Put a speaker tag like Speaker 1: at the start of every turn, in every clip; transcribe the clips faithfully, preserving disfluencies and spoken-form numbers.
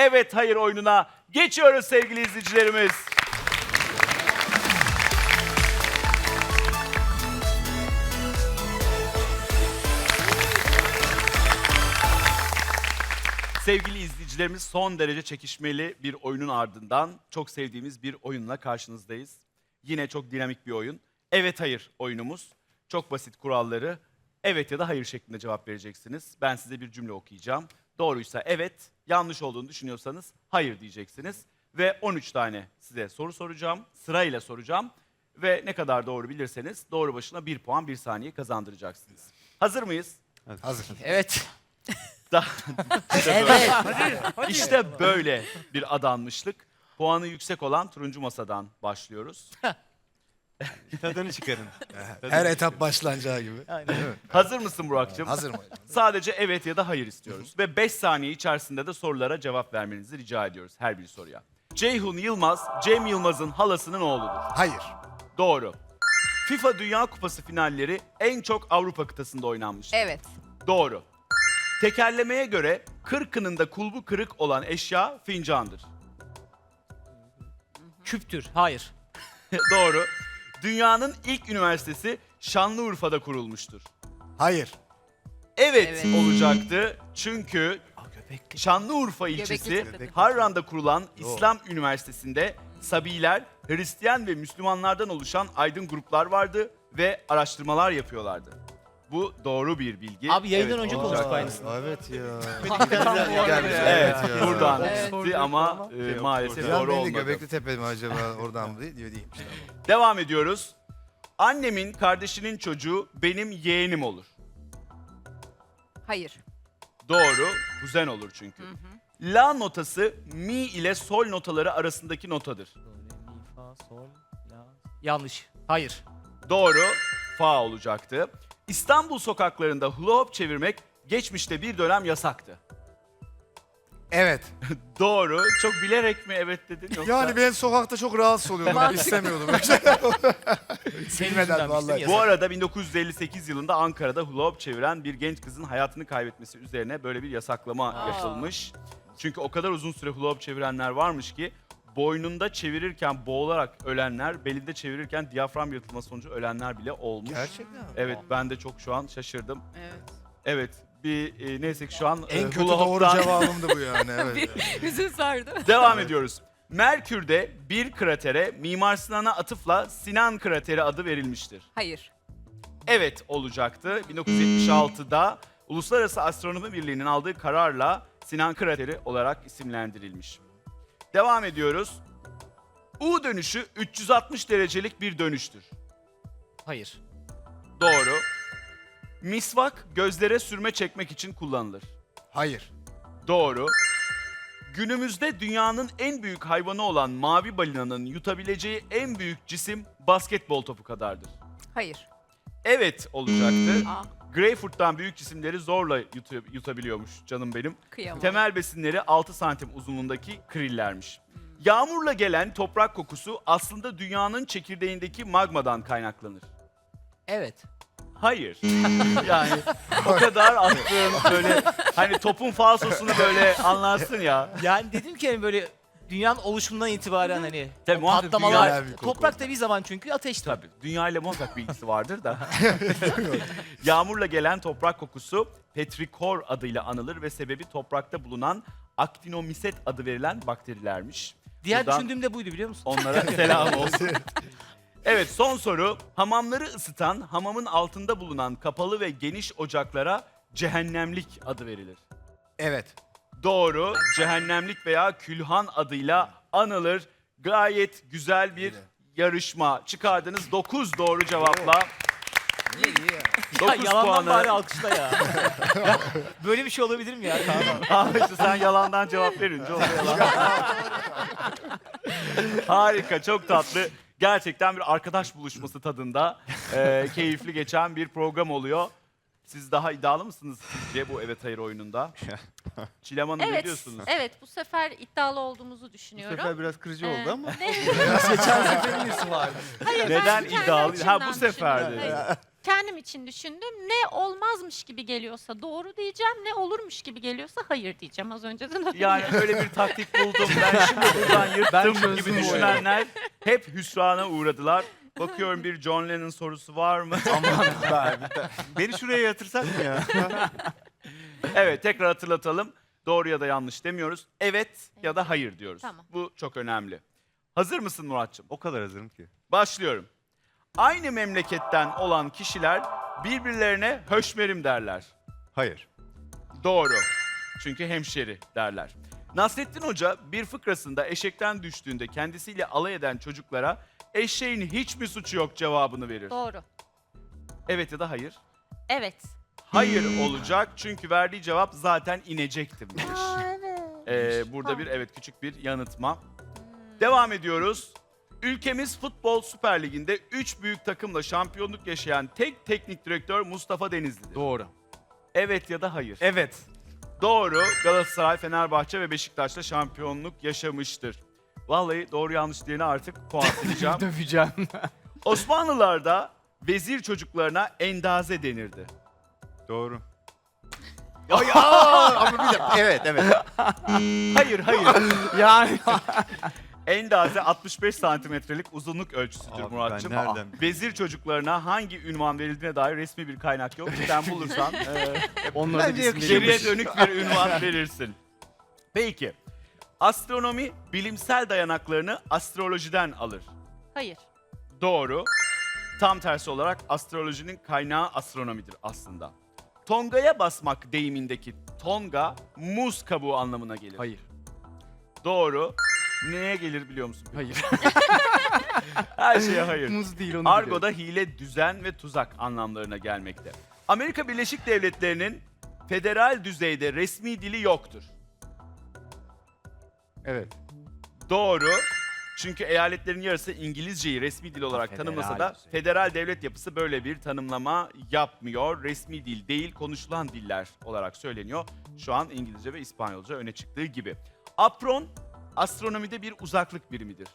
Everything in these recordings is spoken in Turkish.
Speaker 1: evet hayır oyununa geçiyoruz sevgili izleyicilerimiz. Sevgili izleyicilerimiz, son derece çekişmeli bir oyunun ardından çok sevdiğimiz bir oyunla karşınızdayız. Yine çok dinamik bir oyun. Evet hayır oyunumuz. Çok basit kuralları. Evet ya da hayır şeklinde cevap vereceksiniz. Ben size bir cümle okuyacağım. Doğruysa evet, yanlış olduğunu düşünüyorsanız hayır diyeceksiniz. Ve on üç tane size soru soracağım. Sırayla soracağım. Ve ne kadar doğru bilirseniz doğru başına bir puan bir saniye kazandıracaksınız. Hazır mıyız?
Speaker 2: Hazır.
Speaker 3: Evet.
Speaker 1: Da-
Speaker 3: Evet.
Speaker 1: İşte böyle bir adanmışlık. Puanı yüksek olan turuncu masadan başlıyoruz.
Speaker 2: Tadını çıkarın.
Speaker 4: Her etap başlanacağı gibi.
Speaker 1: Hazır mısın Burak'cığım?
Speaker 4: Hazır mı?
Speaker 1: Sadece evet ya da hayır istiyoruz. Ve beş saniye içerisinde de sorulara cevap vermenizi rica ediyoruz her bir soruya. Ceyhun Yılmaz, Cem Yılmaz'ın halasının oğludur.
Speaker 4: Hayır.
Speaker 1: Doğru. FIFA Dünya Kupası finalleri en çok Avrupa kıtasında oynanmıştır.
Speaker 5: Evet.
Speaker 1: Doğru. Tekerlemeye göre kırkının kulbu kırık olan eşya fincandır.
Speaker 3: Küptür. Hayır.
Speaker 1: Doğru. Dünyanın ilk üniversitesi Şanlıurfa'da kurulmuştur.
Speaker 4: Hayır.
Speaker 1: Evet,
Speaker 5: Evet.
Speaker 1: olacaktı çünkü Şanlıurfa ilçesi
Speaker 5: Göbekli.
Speaker 1: Harran'da kurulan İslam Üniversitesi'nde Sabiler, Hristiyan ve Müslümanlardan oluşan aydın gruplar vardı ve araştırmalar yapıyorlardı. Bu doğru bir bilgi.
Speaker 3: Abi yayından
Speaker 1: Evet,
Speaker 3: önce
Speaker 1: olacaktı.
Speaker 3: konuştuk aynısını.
Speaker 4: Evet ya.
Speaker 1: Evet,
Speaker 4: Evet ya.
Speaker 1: buradan
Speaker 3: Evet.
Speaker 1: çıktı ama e, maalesef
Speaker 4: Bir an
Speaker 1: doğru
Speaker 4: beni de
Speaker 1: olmadı.
Speaker 4: Göbekli Tepe mi acaba oradan mı değil diyor değilmiş.
Speaker 1: Devam ediyoruz. Annemin kardeşinin çocuğu benim yeğenim olur.
Speaker 5: Hayır.
Speaker 1: Doğru, kuzen olur çünkü. La notası mi ile sol notaları arasındaki notadır.
Speaker 3: Do, re, mi, fa, sol, la. Yanlış. Hayır.
Speaker 1: Doğru, fa olacaktı. İstanbul sokaklarında hula hop çevirmek geçmişte bir dönem yasaktı.
Speaker 4: Evet.
Speaker 1: Doğru, çok bilerek mi evet dedin yoksa?
Speaker 4: Yani ben sokakta çok rahatsız oluyordum. Ben
Speaker 5: Mantıklı.
Speaker 4: istemiyordum.
Speaker 3: Senin
Speaker 4: Bilmeden
Speaker 3: yüzünden
Speaker 4: vallahi.
Speaker 3: vallahi.
Speaker 1: Bu arada bin dokuz yüz elli sekiz yılında Ankara'da hula hop çeviren bir genç kızın hayatını kaybetmesi üzerine böyle bir yasaklama
Speaker 5: Aa.
Speaker 1: yapılmış. Çünkü o kadar uzun süre hula hop çevirenler varmış ki boynunda çevirirken boğularak ölenler, belinde çevirirken diyafram yırtılması sonucu ölenler bile olmuş.
Speaker 4: Gerçekten mi?
Speaker 1: Evet, ben de çok şu an şaşırdım.
Speaker 5: Evet.
Speaker 1: Evet, bir e, neyse ki şu an e,
Speaker 4: En kötü
Speaker 1: hula
Speaker 4: doğru
Speaker 1: hop'tan
Speaker 4: cevabımdı bu yani. Evet.
Speaker 5: Yüzün sardı.
Speaker 1: devam ediyoruz. Merkür'de bir kratere Mimar Sinan'a atıfla Sinan krateri adı verilmiştir.
Speaker 5: Hayır.
Speaker 1: Evet olacaktı. bin dokuz yüz yetmiş altıda Uluslararası Astronomi Birliği'nin aldığı kararla Sinan krateri olarak isimlendirilmiş. Devam ediyoruz. U dönüşü üç yüz altmış derecelik bir dönüştür.
Speaker 3: Hayır.
Speaker 1: Doğru. Misvak gözlere sürme çekmek için kullanılır.
Speaker 4: Hayır.
Speaker 1: Doğru. Günümüzde dünyanın en büyük hayvanı olan mavi balinanın yutabileceği en büyük cisim basketbol topu kadardır.
Speaker 5: Hayır.
Speaker 1: Evet olacaktı.
Speaker 5: Aa,
Speaker 1: Greyfurt'tan büyük cisimleri zorla yutu- yutabiliyormuş canım benim.
Speaker 5: kıyamam.
Speaker 1: Temel besinleri altı santim uzunluğundaki krillermiş. Yağmurla gelen toprak kokusu aslında dünyanın çekirdeğindeki magmadan kaynaklanır.
Speaker 3: Evet.
Speaker 1: Hayır. Yani o kadar attığın böyle hani topun falsosunu böyle anlarsın ya.
Speaker 3: Yani dedim ki hani böyle dünyanın oluşumundan itibaren hani
Speaker 1: Tabii,
Speaker 3: o
Speaker 1: muhakkak
Speaker 3: patlamalar,
Speaker 4: dünya bir koku.
Speaker 3: toprak da bir zaman çünkü ateşti.
Speaker 1: Tabii. Dünya ile muhakkak bir ilgisi vardır da. Yağmurla gelen toprak kokusu petrikor adıyla anılır ve sebebi toprakta bulunan aktinomiset adı verilen bakterilermiş.
Speaker 3: Diğer
Speaker 1: Buradan
Speaker 3: düşündüğüm de buydu biliyor musun?
Speaker 1: onlara selam olsun. Evet, son soru. Hamamları ısıtan, hamamın altında bulunan kapalı ve geniş ocaklara cehennemlik adı verilir.
Speaker 4: Evet.
Speaker 1: Doğru, cehennemlik veya külhan adıyla anılır. Gayet güzel bir yarışma. Çıkardınız dokuz doğru cevapla.
Speaker 3: Ya
Speaker 1: dokuz
Speaker 3: yalandan bari
Speaker 1: puanı.
Speaker 3: alkışla ya. Ya böyle bir şey olabilir mi ya Kaan?
Speaker 1: Abi işte sen yalandan cevap verince oluyor yalan. Harika, çok tatlı. Gerçekten bir arkadaş buluşması tadında e, keyifli geçen bir program oluyor. Siz daha iddialı mısınız sizce bu evet hayır oyununda? Çilem Hanım ne
Speaker 6: Evet,
Speaker 1: diyorsunuz?
Speaker 6: evet bu sefer iddialı olduğumuzu
Speaker 2: Bu
Speaker 6: düşünüyorum.
Speaker 2: sefer biraz kırıcı
Speaker 6: Ee,
Speaker 2: oldu ama.
Speaker 6: ne-
Speaker 3: Geçen seferin iyisi vardı.
Speaker 6: Hayır,
Speaker 1: Neden
Speaker 6: ben kendi
Speaker 1: iddialı? Ha, bu
Speaker 6: açımdan
Speaker 1: seferdi.
Speaker 6: düşünüyorum. Hayır. kendim için düşündüm. Ne olmazmış gibi geliyorsa doğru diyeceğim, ne olurmuş gibi geliyorsa hayır diyeceğim. Az önceden öyle.
Speaker 1: Yani öyle bir taktik buldum. Ben şimdi buradan yırttım gibi düşünenler hep hüsrana uğradılar. Bakıyorum bir John Lennon sorusu var mı?
Speaker 2: Beni şuraya yatırsak mı ya?
Speaker 1: Evet, tekrar hatırlatalım. Doğru ya da yanlış demiyoruz. Evet ya da hayır diyoruz.
Speaker 6: Tamam.
Speaker 1: Bu çok önemli. Hazır mısın Muratçım?
Speaker 2: O kadar hazırım ki.
Speaker 1: Başlıyorum. Aynı memleketten olan kişiler birbirlerine höşmerim derler.
Speaker 2: Hayır.
Speaker 1: Doğru. Çünkü hemşeri derler. Nasrettin Hoca bir fıkrasında eşekten düştüğünde kendisiyle alay eden çocuklara eşeğin hiç mi suçu yok cevabını verir.
Speaker 6: Doğru.
Speaker 1: Evet ya da hayır.
Speaker 6: Evet.
Speaker 1: Hayır olacak çünkü verdiği cevap zaten inecektim demiş.
Speaker 6: evet.
Speaker 1: Ee, burada bir evet küçük bir yanıltma. Devam ediyoruz. Ülkemiz Futbol Süper Ligi'nde üç büyük takımla şampiyonluk yaşayan tek teknik direktör Mustafa Denizli'dir.
Speaker 3: Doğru.
Speaker 1: Evet ya da hayır.
Speaker 3: Evet.
Speaker 1: Doğru. Galatasaray, Fenerbahçe ve Beşiktaş'ta şampiyonluk yaşamıştır. Vallahi doğru yanlış diyene artık puan sileceğim.
Speaker 3: Döveceğim.
Speaker 1: Osmanlılarda vezir çocuklarına endaze denirdi.
Speaker 2: Doğru. Ama bir dakika. Evet, evet.
Speaker 1: Hayır, hayır.
Speaker 3: yani.
Speaker 1: Endaze altmış beş santimetrelik uzunluk ölçüsüdür
Speaker 2: Abi
Speaker 1: Muratçım.
Speaker 2: ben nereden
Speaker 1: Vezir çocuklarına hangi ünvan verildiğine dair resmi bir kaynak yok. Sen bulursan e,
Speaker 3: Onları da
Speaker 2: Bence
Speaker 3: bizim
Speaker 2: yakışıyor.
Speaker 1: geriye
Speaker 3: geliyormuş.
Speaker 1: dönük bir ünvan verirsin. Peki. Astronomi bilimsel dayanaklarını astrolojiden alır.
Speaker 6: Hayır.
Speaker 1: Doğru. Tam tersi olarak astrolojinin kaynağı astronomidir aslında. Tonga'ya basmak deyimindeki tonga muz kabuğu anlamına gelir.
Speaker 3: Hayır.
Speaker 1: Doğru. Neye gelir biliyor musun?
Speaker 3: Hayır.
Speaker 1: Her şeye hayır.
Speaker 3: Muz değil onu
Speaker 1: Argo'da hile, düzen ve tuzak anlamlarına gelmekte. Amerika Birleşik Devletleri'nin federal düzeyde resmi dili yoktur.
Speaker 3: Evet.
Speaker 1: Doğru. Çünkü eyaletlerin yarısı İngilizceyi resmi dil olarak
Speaker 3: Federal
Speaker 1: tanımlasa da
Speaker 3: düzey.
Speaker 1: federal devlet yapısı böyle bir tanımlama yapmıyor. Resmi dil değil, konuşulan diller olarak söyleniyor. Şu an İngilizce ve İspanyolca öne çıktığı gibi. Apron, astronomide bir uzaklık birimidir.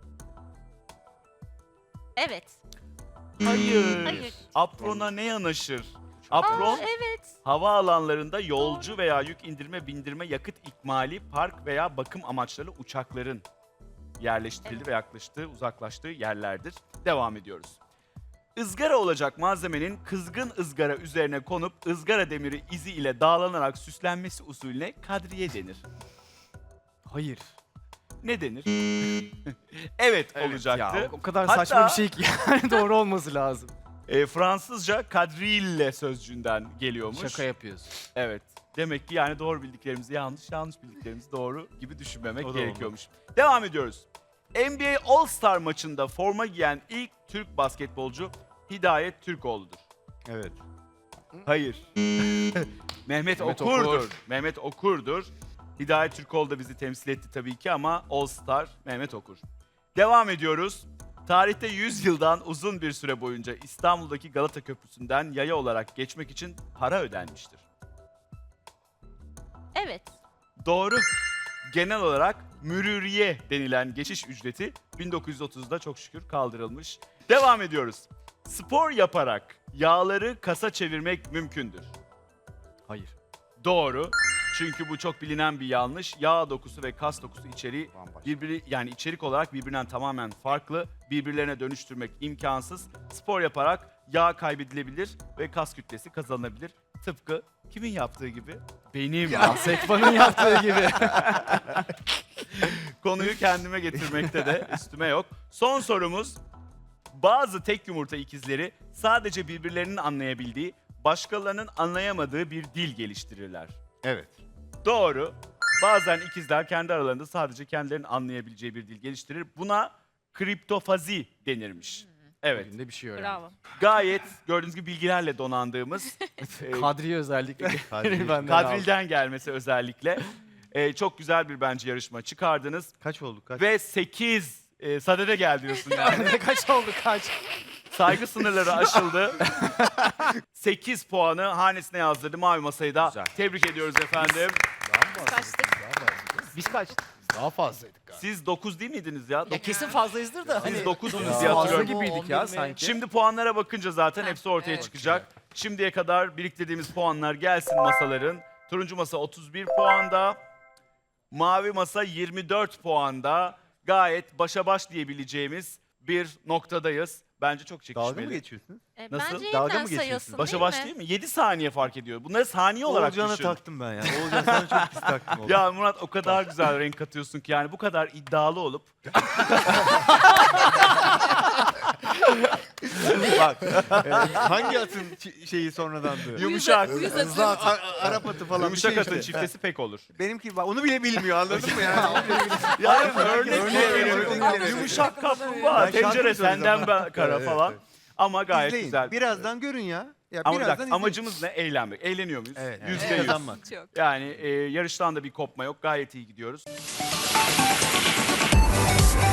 Speaker 6: Evet.
Speaker 1: Hayır.
Speaker 6: Hayır.
Speaker 1: Aprona ne yanaşır? Apron,
Speaker 6: Aa, evet.
Speaker 1: hava alanlarında yolcu veya yük indirme, bindirme, yakıt ikmali, park veya bakım amaçlı uçakların yerleştirildiği
Speaker 6: Evet.
Speaker 1: ve yaklaştığı, uzaklaştığı yerlerdir. Devam ediyoruz. Izgara olacak malzemenin kızgın ızgara üzerine konup ızgara demiri izi ile dağlanarak süslenmesi usulüne kadriye denir.
Speaker 3: Hayır.
Speaker 1: Ne denir? evet, olacaktı.
Speaker 3: Ya, o kadar
Speaker 1: Hatta-
Speaker 3: saçma bir şey ki yani doğru olması lazım.
Speaker 1: E, Fransızca kadrille sözcüğünden geliyormuş.
Speaker 3: Şaka yapıyorsun.
Speaker 1: Evet. Demek ki yani doğru bildiklerimizi yanlış, yanlış bildiklerimizi doğru gibi düşünmemek
Speaker 2: O da
Speaker 1: gerekiyormuş. Devam ediyoruz. N B A All-Star maçında forma giyen ilk Türk basketbolcu Hidayet Türkoğlu'dur.
Speaker 2: Evet.
Speaker 1: Hayır. Mehmet,
Speaker 3: Mehmet
Speaker 1: Okur'dur.
Speaker 3: Okur.
Speaker 1: Mehmet Okur'dur. Hidayet Türkoğlu da bizi temsil etti tabii ki ama All-Star Mehmet Okur. Devam ediyoruz. Tarihte yüz yıldan uzun bir süre boyunca İstanbul'daki Galata Köprüsü'nden yaya olarak geçmek için para ödenmiştir.
Speaker 6: Evet.
Speaker 1: Doğru. Genel olarak mürüriye denilen geçiş ücreti bin dokuz yüz otuzda çok şükür kaldırılmış. Devam ediyoruz. Spor yaparak yağları kasa çevirmek mümkündür.
Speaker 3: Hayır.
Speaker 1: Doğru. Çünkü bu çok bilinen bir yanlış. Yağ dokusu ve kas dokusu içeriği
Speaker 3: Bambaşka.
Speaker 1: birbiri yani içerik olarak birbirinden tamamen farklı. Birbirlerine dönüştürmek imkansız. Spor yaparak yağ kaybedilebilir ve kas kütlesi kazanılabilir. Tıpkı kimin yaptığı gibi? Benim.
Speaker 3: Sekfan'ın yaptığı gibi.
Speaker 1: Konuyu kendime getirmekte de üstüme yok. Son sorumuz. Bazı tek yumurta ikizleri sadece birbirlerinin anlayabildiği, başkalarının anlayamadığı bir dil geliştirirler.
Speaker 2: Evet.
Speaker 1: Doğru. Bazen ikizler kendi aralarında sadece kendilerinin anlayabileceği bir dil geliştirir. Buna kriptofazi denirmiş. Evet.
Speaker 3: Bugün de bir şey öğrendim.
Speaker 6: Bravo.
Speaker 1: Gayet gördüğünüz gibi bilgilerle donandığımız e,
Speaker 3: Kadriye özellikle.
Speaker 2: Kadriye.
Speaker 3: benden aldı.
Speaker 1: Kadril'den gelmesi özellikle e, çok güzel bir bence yarışma çıkardınız.
Speaker 2: Kaç olduk? Kaç?
Speaker 1: Ve sekiz e, sadede gel diyorsun yani.
Speaker 3: Kaç oldu kaç?
Speaker 1: Saygı sınırları aşıldı. sekiz puanı hanesine yazdırdı mavi masayı da.
Speaker 3: Güzel.
Speaker 1: Tebrik ediyoruz efendim.
Speaker 6: Kaçtık.
Speaker 3: Biz kaç?
Speaker 4: Daha fazlaydık galiba.
Speaker 1: Siz dokuz değil miydiniz ya?
Speaker 3: Ya kesin fazlayızdır da.
Speaker 1: Siz
Speaker 3: hani
Speaker 1: dokuzsunuz
Speaker 3: dokuz
Speaker 1: diye
Speaker 3: fazla
Speaker 1: hatırlıyorum.
Speaker 3: mı,
Speaker 5: gibiydik
Speaker 3: on
Speaker 5: ya
Speaker 3: bir mi?
Speaker 5: sanki.
Speaker 1: Şimdi puanlara bakınca zaten hepsi ortaya
Speaker 6: evet.
Speaker 1: çıkacak. Şimdiye kadar biriktirdiğimiz puanlar gelsin masaların. Turuncu masa otuz bir puanda. Mavi masa yirmi dört puanda. Gayet başa baş diyebileceğimiz bir noktadayız. Bence çok çekişmeli.
Speaker 5: Dalga mı geçiyorsun?
Speaker 6: E,
Speaker 1: Nasıl?
Speaker 6: Bence
Speaker 5: Dalga
Speaker 6: yeniden
Speaker 5: mı geçiyorsun?
Speaker 6: sayılsın
Speaker 1: Başa
Speaker 6: değil
Speaker 1: baş
Speaker 6: mi?
Speaker 1: değil mi? yedi saniye fark ediyor. Bunları saniye olarak
Speaker 5: Oğulcan'a
Speaker 1: düşün.
Speaker 5: taktım ben ya. Oğulcan sana çok pis taktım oğlum.
Speaker 1: Ya Murat o kadar güzel renk katıyorsun ki yani bu kadar iddialı olup
Speaker 5: Bak e, hangi atın çi- şeyi sonradandı?
Speaker 1: yumuşak,
Speaker 4: Hızlı at.
Speaker 5: A- Arap atı falan
Speaker 1: yumuşak
Speaker 5: bir şey
Speaker 1: atın
Speaker 5: işte.
Speaker 1: çiftesi pek olur.
Speaker 5: Benimki bak onu bile bilmiyor anladın mı yani?
Speaker 1: Yani örnek
Speaker 5: örnek
Speaker 1: veriyorum.
Speaker 5: veriyorum. Evet.
Speaker 1: Yumuşak kaplumbağa,
Speaker 5: Ben
Speaker 1: tencere
Speaker 5: şarkı söyleyeceğim
Speaker 1: senden
Speaker 5: ben.
Speaker 1: ben kara
Speaker 5: Evet,
Speaker 1: falan.
Speaker 5: evet.
Speaker 1: Ama gayet
Speaker 5: İzleyin.
Speaker 1: güzel.
Speaker 5: Birazdan görün ya. Ya
Speaker 1: Ama bir
Speaker 5: birazdan
Speaker 1: dakika
Speaker 5: izleyin.
Speaker 1: amacımız ne? Eğlenmek. Eğleniyor muyuz?
Speaker 4: Evet.
Speaker 1: Yüzde
Speaker 5: Evet.
Speaker 1: yüz.
Speaker 5: Kazanmak.
Speaker 1: Yani e, yarıştan da bir kopma yok. Gayet iyi gidiyoruz.